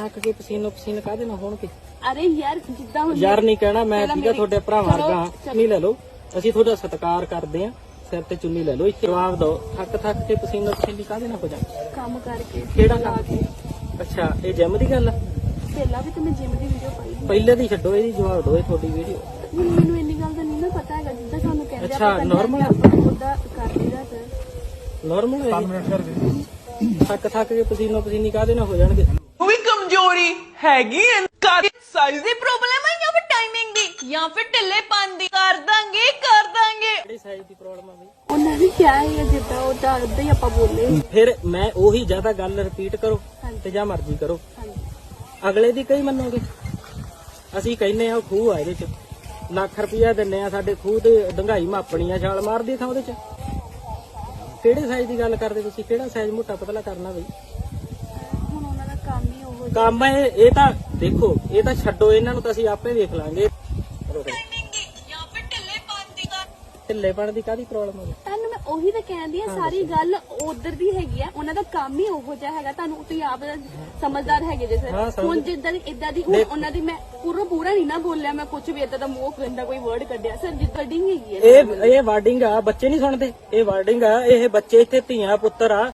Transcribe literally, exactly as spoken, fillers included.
ਥੱਕ ਕੇ ਪਸੀਨੋ ਪਸੀਨ ਕਾਹਦੇ ਨਾਲ ਹੋਣਗੇ? ਅਰੇ ਯਾਰ ਜਿੱਦਾਂ ਹੁਣ ਯਾਰ ਨਹੀਂ ਕਹਿਣਾ ਮੈਂ, ਠੀਕ ਆ ਤੁਹਾਡੇ ਭਰਾ ਵਰਗਾ, ਚੁੰਨੀ ਲੈ ਲਓ, ਅਸੀਂ ਤੁਹਾਡਾ ਸਤਿਕਾਰ ਕਰਦੇ ਆ, ਸਿਰ ਤੇ ਚੁੰਨੀ ਲੈ ਲਓ। ਇੱਥੇ ਜਵਾਬ ਦਿਓ, ਥੱਕ ਥੱਕ ਕੇ ਪਸੀਨੋ ਪਸੀਨੀ ਕਾਹਦੇ ਨਾਲ ਹੋ ਜਾਂਦੇ? ਕੰਮ ਕਰਕੇ। ਕਿਹੜਾ ਕੰਮ? ਅੱਛਾ, ਇਹ ਜਿਮ ਦੀ ਗੱਲ ਆ? ਪਹਿਲਾਂ ਵੀ ਤੇ ਮੈਂ ਜਿਮ ਦੀ ਵੀਡੀਓ ਪਾਈ ਸੀ। ਪਹਿਲੇ ਦੀ ਛੱਡੋ, ਇਹਦੀ ਜਵਾਬ ਦਿਓ, ਇਹ ਤੁਹਾਡੀ ਵੀਡੀਓ। ਹੁਣ ਮੈਨੂੰ ਇੰਨੀ ਗੱਲ ਦਾ ਨਹੀਂ ਨਾ ਪਤਾ ਹੈਗਾ, ਜਿੱਦਾਂ ਸਾਨੂੰ ਕਹਿੰਦੇ ਅੱਛਾ, normal? ਉਹਦਾ ਕਰ ਲਈਦਾ ਸਰ। ਨਾਰਮਲ ਹੈ? ਥੱਕ ਥੱਕ ਕੇ ਪਸੀਨੋ ਪਸੀਨੀ ਕਾਹਦੇ ਨਾਲ ਹੋ ਜਾਣਗੇ? ਉਹ ਵੀ ਕਮਜ਼ੋਰੀ ਹੈਗੀ ਐ, ਸਾਈਜ਼ ਦੀ ਪ੍ਰੋਬਲਮ ਹੈ ਜਾਂ ਫਿਰ ਟਾਈਮਿੰਗ ਦੀ ਜਾਂ ਫਿਰ ਢਿੱਲੇਪਨ ਦੀ? ਕਰ ਦਾਂਗੇ ਕਰ ਦਾਂਗੇ। ਕਿਹੜੀ ਸਾਈਜ਼ ਦੀ ਪ੍ਰੋਬਲਮ ਆ ਬਈ? ਉਹਨਾਂ ਨੇ ਕਿਹਾ ਹੈ ਜਿੱਦਾਂ ਉਹਦਾ ਉਦਾਂ ਹੀ ਆਪਾਂ ਬੋਲੇ। ਫਿਰ ਮੈਂ ਉਹੀ ਜ਼ਿਆਦਾ ਗੱਲ ਰਿਪੀਟ ਕਰੋ ਤੇ ਜਾਂ ਮਰਜ਼ੀ ਕਰੋ, ਅਗਲੇ ਦੀ ਕਈ ਮੰਨੋਗੇ? ਅਸੀਂ ਕਹਿੰਨੇ ਆ ਉਹ ਖੂਹ ਆ, ਇਹਦੇ ਚ ਲੱਖ ਰੁਪਇਆ ਦਿੰਨੇ ਆ, ਸਾਡੇ ਖੂਹ ਤੇ ਡੰਗਾਈ ਮਾਪਣੀ ਆ, ਛਾਲ ਮਾਰਦੀ ਥਾਂ ਉਹਦੇ ਚ। ਕਿਹੜੇ ਸਾਈਜ਼ ਦੀ ਗੱਲ ਕਰਦੇ ਤੁਸੀਂ? ਕਿਹੜਾ ਸਾਈਜ਼ ਮੋਟਾ ਪਤਲਾ ਕਰਨਾ ਬਈ? ਹੁਣ ਉਹਨਾਂ ਦਾ ਕੰਮ ਹੀ ਉਹ ਕੰਮ ਇਹ ਇਹ ਤਾਂ ਦੇਖੋ, ਇਹ ਤਾਂ ਛੱਡੋ, ਇਹਨਾਂ ਨੂੰ ਤਾਂ ਅਸੀਂ ਆਪੇ ਵੇਖ ਲਾਂਗੇ। ਜਾਂ ਫਿਰ ਢਿੱਲੇਪਨ ਦੀ? ਢਿੱਲੇਪਣ ਦੀ ਕਾਹਦੀ ਪ੍ਰੋਬਲਮ ਹੈ? ਤੁਹਾਨੂੰ ਮੈਂ ਉਹੀ ਤਾਂ ਕਹਿੰਦੀ ਆ, ਸਾਰੀ ਗੱਲ ਉਧਰ ਦੀ ਹੈਗੀ ਆ, ਉਹਨਾਂ ਦਾ ਕੰਮ ਹੀ ਉਹੋ ਜਿਹਾ ਹੈਗਾ। ਤੁਹਾਨੂੰ ਤੁਸੀਂ ਆਪ ਸਮਝਦਾਰ ਹੈਗੇ ਜੇ ਹਾਂ, ਸਰ। ਸਮਝ- ਹੁਣ ਜਿੱਦਾਂ ਦੀ ਇਦਾਂ ਦੀ ਹੁਣ ਉਹਨਾਂ ਦੀ ਮੈਂ ਪੂਰਾ ਪੂਰਾ ਨਹੀਂ ਨਾ ਬੋਲਿਆ, ਮੈਂ ਕੁਝ ਵੀ ਇਦਾਂ ਦਾ ਮੂੰਹ ਗੰਦਾ ਕੋਈ ਵਰਡ ਕੱਢਿਆ ਸਰ, ਜਿੱਦਾਂ ਡਿੰਗ ਹੈਗੀ ਆ। ਇਹ ਇਹ ਵਾਰਡਿੰਗ ਆ, ਬੱਚੇ ਨਹੀਂ ਸੁਣਦੇ। ਇਹ ਵਾਰਡਿੰਗ ਆ, ਇਹ ਬੱਚੇ ਇੱਥੇ ਧੀਆਂ ਪੁੱਤਰ ਆ,